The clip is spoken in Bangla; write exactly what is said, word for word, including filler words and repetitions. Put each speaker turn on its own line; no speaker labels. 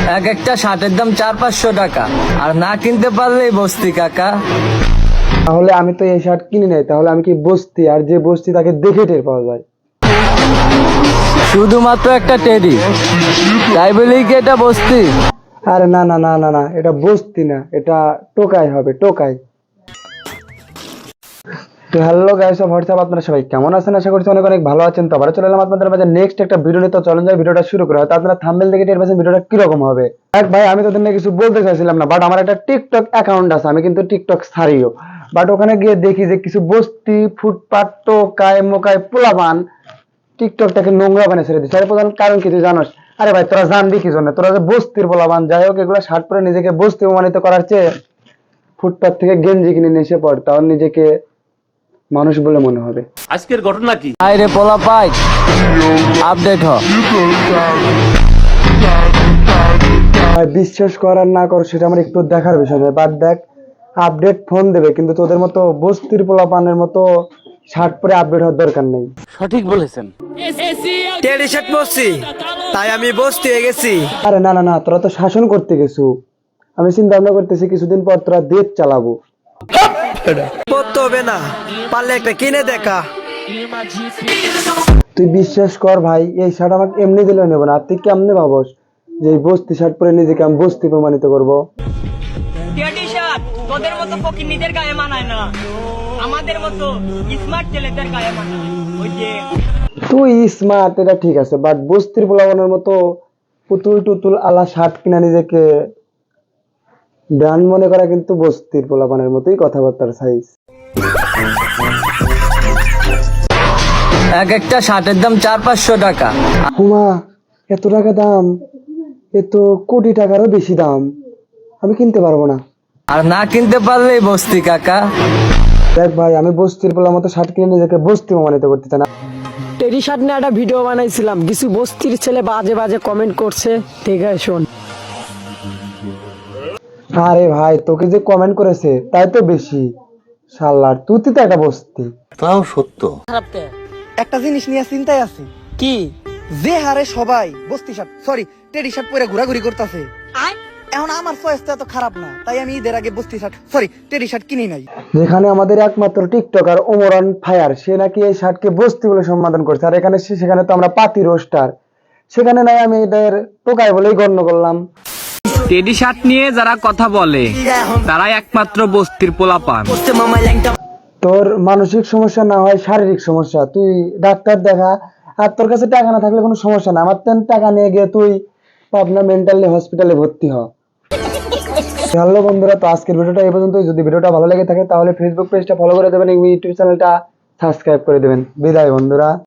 এক একটা শার্টের দাম চার পাঁচশো টাকা, আর না কিনতে পারলেই বস্তি কাকা।
তাহলে আমি তো এই শার্ট কিনি নাই, তাহলে আমি কি বস্তি? আর যে বস্তি তাকে দেখে টের পাওয়া যায়।
শুধুমাত্র একটা টেডি, তাই বলেই কি এটা বস্তি?
আরে না না না না না, এটা বস্তি না, এটা টোকাই হবে, টোকাই। তো হ্যালো গাইস অফ হোয়াটসঅ্যাপ, আপনারা সবাই কেমন আছেন? আশা করছি অনেক অনেক ভালো আছেন। তো আবার চলে এলাম আপনাদের মাঝে নেক্সট একটা ভিডিও নিয়ে। তো চলুন যাই ভিডিওটা শুরু করা। তো আপনারা থাম্বনেল দেখে টের পাচ্ছেন ভিডিওটা কিরকম হবে। এক ভাই, আমি তোদের নিয়ে কিছু বলতে চাইছিলাম না, বাট আমার একটা টিকটক অ্যাকাউন্ট আছে, আমি কিন্তু টিকটক ছাড়িও। বাট ওখানে গিয়ে দেখি যে কিছু বস্তি ফুটপাত টোকায় মোকায় পোলাপান টিকটকটাকে নোংরা বানিয়ে ছেড়ে দিচ্ছে। আরে প্রধান কারণ কি তুই জানোস? আরে ভাই তোরা জানবি কি জন্য? তোরা যে বস্তির পোলাপান, যাই হোক, এগুলো শার্ট পরে নিজেকে বস্তি প্রমাণিত করার চেয়ে ফুটপাত থেকে গেঞ্জি কিনে নিয়ে এসে পড়, তাও নিজেকে মানুষ বলে মনে হবে।
আজকের ঘটনা কি?
আরে পোলা পাই, আপডেট হ।
ভাই বিশ্বাস করার না কর সেটা আমার একটু দেখার বিষয় নয়, বাট দেখ, আপডেট ফোন দেবে, কিন্তু তোদের মতো বস্তির পোলাপানের মতো শার্ট পরে আপডেট হওয়ার দরকার নেই।
সঠিক বলেছেন।
টেডি শার্ট পরছি, তাই আমি বস্তি হয়ে গেছি।
আরে না না না, তোরা তো শাসন করতে গেছু, আমি চিন্তা ভাবনা করতেছি কিছুদিন পর তোরা দেশ চালাবো।
পড়তে হবে না, পারলে একটা কিনে দেখা।
তুই বিশ্বাস কর ভাই, এই শার্ট আমাকে এমনি দিলে নেবো না। আর তুই কেমনে ভাবস যে এই বস্তি শার্ট পরে নিজেকে আমি বস্তি প্রমাণিত করবো?
টেডি শার্ট তোদের মতো ফকিন্নিদের গায়ে মানায় না, আমাদের মতো স্মার্ট ছেলেদের গায়ে মানায়। ওই যে
তুই স্মার্ট, এটা ঠিক আছে, বাট বস্তির পোলাপানের মতো পুতুল টুতুল আলা শার্ট কিনা নিজেকে ব্র্যান্ড মনে করা কিন্তু বস্তির পোলাপানের মতোই কথাবার্তার সাইজ।
এক একটা শার্টের দাম চার পাঁচশো টাকা।
হুমা, এত টাকা দাম? এ তো কোটি টাকারও বেশি দাম, আমি কিনতে পারবো না।
আর না কিনতে পারলেই বস্তি কাকা।
দেখ ভাই, আমি বস্তির পোলার মতো শার্ট কিনে নিজেকে বস্তি প্রমাণিত করতে চাই না।
টেডি শার্ট নিয়ে একটা ভিডিও বানাইছিলাম, কিছু বস্তির ছেলে বাজে বাজে কমেন্ট করছে, ঠিক আছে শোন।
আরে ভাই, তোকে যে কমেন্ট করেছে তাই তো বেশি, শালার তুই তো একটা বস্তি।
তাও সত্য।
একটা জিনিস নিয়ে চিন্তায় আছি,
কি?
যে হারে সবাই বস্তি শার্ট সরি টেডি শার্ট পরে ঘোরাঘুরি করতেছে, এখন আমার চয়েস তো এত খারাপ না, তাই আমি ঈদের আগে বস্তি শার্ট সরি টেডি শার্ট কিনি নাই।
যেখানে আমাদের একমাত্র টিকটকার ওমরান ফায়ার, সে নাকি এই শার্টকে বস্তি বলে সম্বোধন করছে, আর এখানে সে- সেখানে তো আমরা পাতি রোস্টার, সেখানে নাই আমি এদের টোকাই বলেই গণ্য করলাম।
টেডি শার্ট নিয়ে যারা কথা বলে তারাই একমাত্র বস্তির পোলাপান।
তোর মানসিক সমস্যা না হয় শারীরিক সমস্যা, তুই ডাক্তার দেখা। আর তোর কাছে টাকা না থাকলে কোনো সমস্যা না, আমার তেন টাকা নিয়ে গিয়ে তুই পাবনা মেন্টালি হসপিটালে ভর্তি হ। হ্যালো বন্ধুরা, তো আজকের ভিডিওটা এই পর্যন্ত। যদি ভিডিওটা ভালো লেগে থাকে তাহলে ফেসবুক পেজটা ফলো করে দেবেন এবং ইউটিউব চ্যানেলটা সাবস্ক্রাইব করে দেবেন। বিদায় বন্ধুরা।